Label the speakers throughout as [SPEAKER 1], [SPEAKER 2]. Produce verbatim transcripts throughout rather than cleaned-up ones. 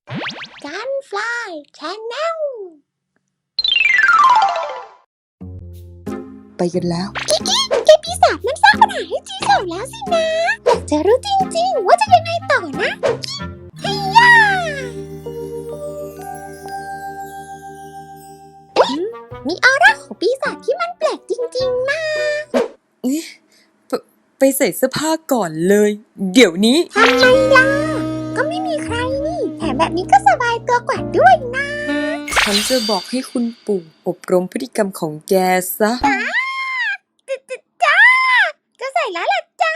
[SPEAKER 1] กันฟลายชาแนล
[SPEAKER 2] ไปกันแล้ว
[SPEAKER 1] กิกกี้แกปีศาจมันสร้างปัญหาให้จีเฉาแล้วสินะอยากจะรู้จริงๆว่าจะยังไงต่อนะเฮียามีออร่าของปีศาจที่มันแปลกจริงๆนะ
[SPEAKER 2] ไปไปใส่เสื้อผ้าก่อนเลย เดี๋ยวนี้
[SPEAKER 1] ทำไมล่ะก็ไม่มีใครนี่แถมแบบนี้ก็สบายตัวกว่าด้วยนะ
[SPEAKER 2] ฉันจะบอกให้คุณปู่อบรมพฤติกรรมของแกซะ
[SPEAKER 1] จ้าจะใส่แล้วล่ะจ้า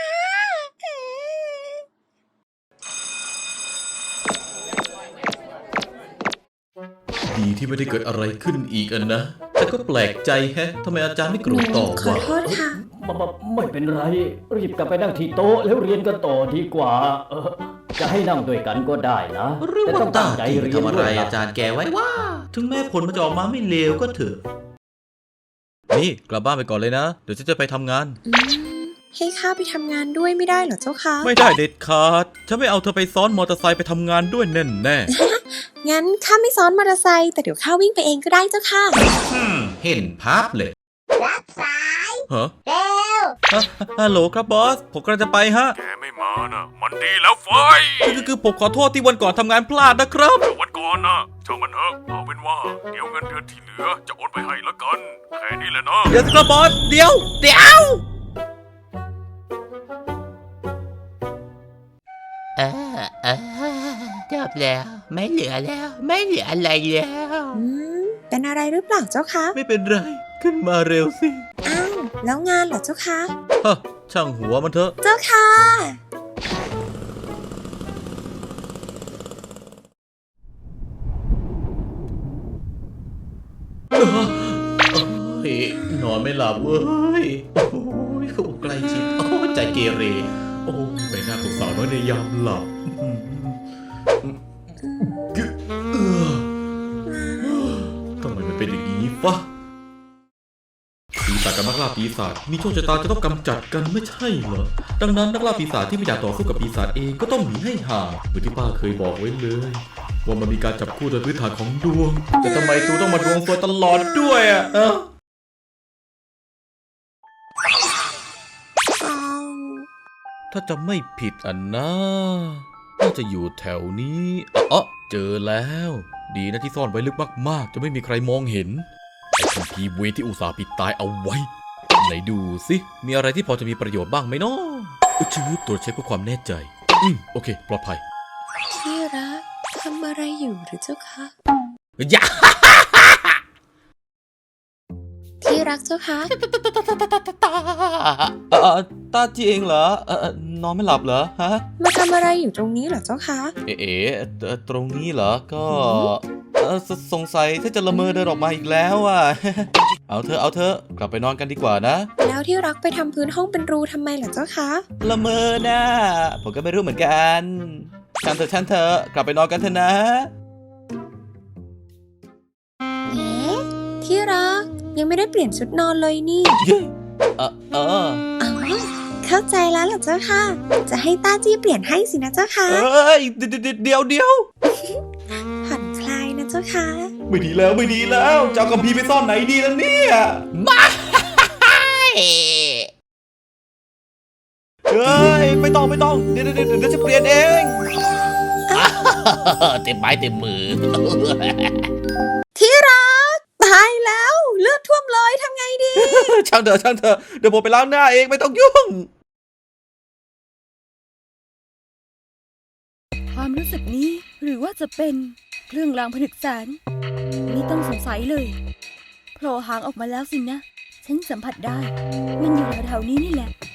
[SPEAKER 3] ดีที่ไม่ได้เกิดอะไรขึ้นอีกอันนะแต่ก็แปลกใจแฮะทำไมอาจารย์ไม่โกรธต่อวะ
[SPEAKER 2] ขอโทษค่ะ
[SPEAKER 4] ไม่เป็นไรรีบกลับไปนั่งที่โต๊ะแล้วเรียนกันต่อดีกว่าเออจะให้นั่งด้วยกันก็ได้นะแต่ต้องตั้งใจเรียนด้วย
[SPEAKER 3] ทำอะไรอาจารย์แกไว้ว่าถึงแม้ผลมันจะออกมาไม่เลวก็เถอะนี่กลับบ้านไปก่อนเลยนะเดี๋ยวฉันจะไปทำงาน
[SPEAKER 2] ให้ข้าไปทำงานด้วยไม่ได้เหรอเจ้าคะ
[SPEAKER 3] ไม่ได้เด็ดขาดฉันไม่เอาเธอไปซ้อนมอเตอร์ไซค์ไปทำงานด้วยแน่แน่
[SPEAKER 2] งั้นข้าไม่ซ้อนมอเตอร์ไซค์แต่เดี๋ยวข้าวิ่งไปเองก็ได้เจ้าค่ะ
[SPEAKER 3] เห็นภาพเลย
[SPEAKER 1] รับสาย
[SPEAKER 3] ฮะ
[SPEAKER 1] เร็ว
[SPEAKER 3] ฮัลโหลครับบอสผมกำลังจะไปฮะ
[SPEAKER 5] แกไม่มานะมันดีแล้วไฟ
[SPEAKER 3] คือคือผมขอโทษที่วันก่อนทำงานพลาดนะครับ
[SPEAKER 5] แต่วันก่อนนะช่างมันเถอะเอาเป็นว่าเดี๋ยวเงินเดือนที่เหลือจะโอนไปให้ละกันแค่นี้แหละนะ
[SPEAKER 3] เดี๋ยวครับบอสเดี๋ยวเดี๋ยว
[SPEAKER 6] เออเออจบแล้วไม่เหลือแล้วไม่เหลืออะไรแล้ว
[SPEAKER 2] อืมเป็นอะไรหรือเปล่าเจ้าคะ
[SPEAKER 3] ไม่เป็นไรขึ้นมาเร็วสิ
[SPEAKER 2] อ้าวแล้วงานเหรอเจ้าคะ
[SPEAKER 3] ฮะช่างหัวมันเถอะ
[SPEAKER 2] เจ้าค่ะ
[SPEAKER 3] เฮ้ยนอนไม่หลับเว้ยโอ้ยใกล้ชิดโอ้ใจเกเรโอ้ใบหน้าของสาวน้อยในยามหลับทำไมมันเป็นอย่างนี้ฟะปีศาจกับนักล่าปีศาจมีโชคชะตาจะต้องกำจัดกันไม่ใช่เหรอดังนั้นนักล่าปีศาจที่ไม่อยากต่อสู้กับปีศาจเองก็ต้องหนีให้ห่างเหมือนที่ป้าเคยบอกไว้เลยว่ามันมีการจับคู่โดยพื้นฐานของดวงแต่ทำไมตูต้องมาดวงซวยตลอดด้วยอ่ะถ้าจะไม่ผิดอันนะน่าจะอยู่แถวนี้อ๋อเจอแล้วดีนะที่ซ่อนไว้ลึกมากๆจะไม่มีใครมองเห็นไอ้คัมภีร์เวทที่อุตส่าห์ปิดตายเอาไว้ไหนดูสิมีอะไรที่พอจะมีประโยชน์บ้างไหมเนาะชื่อตรวจเช็คเพื่อความแน่ใจอืมโอเคปลอดภัย
[SPEAKER 2] ที่รักทำอะไรอยู่หรือเจ้าคะ
[SPEAKER 3] อย่า
[SPEAKER 2] ที่รักเจ้าคะ
[SPEAKER 3] เออตาจีเองเหรอเออนอนไม่หลับเหรอฮะ
[SPEAKER 2] มาทำอะไรอยู่ตรงนี้เหรอเจ้าคะ
[SPEAKER 3] เอ๋ตรงนี้เหรอก็เออสงสัยถ้าจะละเมอเดินออกมาอีกแล้วอ่ะเอาเธอเอาเธอกลับไปนอนกันดีกว่านะ
[SPEAKER 2] แล้วที่รักไปทำพื้นห้องเป็นรูทำไมเหรอเจ้าคะ
[SPEAKER 3] ละเมอนะผมก็ไม่รู้เหมือนกันฉันเถอะฉันเถอะกลับไปนอนกันเถอะนะ
[SPEAKER 2] เอ๊ะที่รักยังไม่ได้เปลี่ยนชุดนอนเลยนี่
[SPEAKER 3] เออเออ
[SPEAKER 2] อ๋อเข้าใจแล้วเหรอเจ้าค่ะจะให้ต้าจี้เปลี่ยนให้สินะเจ้าค่ะ
[SPEAKER 3] เอ้ยเดี๋ยวเดี๋ยวเดี๋ยว
[SPEAKER 2] ผ่อนคลายนะเจ้าค่ะ
[SPEAKER 3] ไม่ดีแล้วไม่ดีแล้วเจ้ากัมพีไปซ่อนไหนดีแล้วเนี่ยมาเฮ้ยไม่ต้องไม่ต้องเดี๋ยวเดี๋ยวเดี๋ยวจะเปลี่ยนเอง
[SPEAKER 6] เต็มไม้เต็มมือ
[SPEAKER 2] ที่รักตายแล้วเลือดท่วมเลยทำไงดี
[SPEAKER 3] ช่างเถอะช่างเถอะเดี๋ยวผมไปล้างหน้าเองไม่ต้องยุ่ง
[SPEAKER 7] ความรู้สึกนี้หรือว่าจะเป็นเครื่องรางผนึกแสนนี่ต้องสงสัยเลยโผล่หางออกมาแล้วสินะฉันสัมผัสได้มันอยู่แถวๆนี้นี่แหละ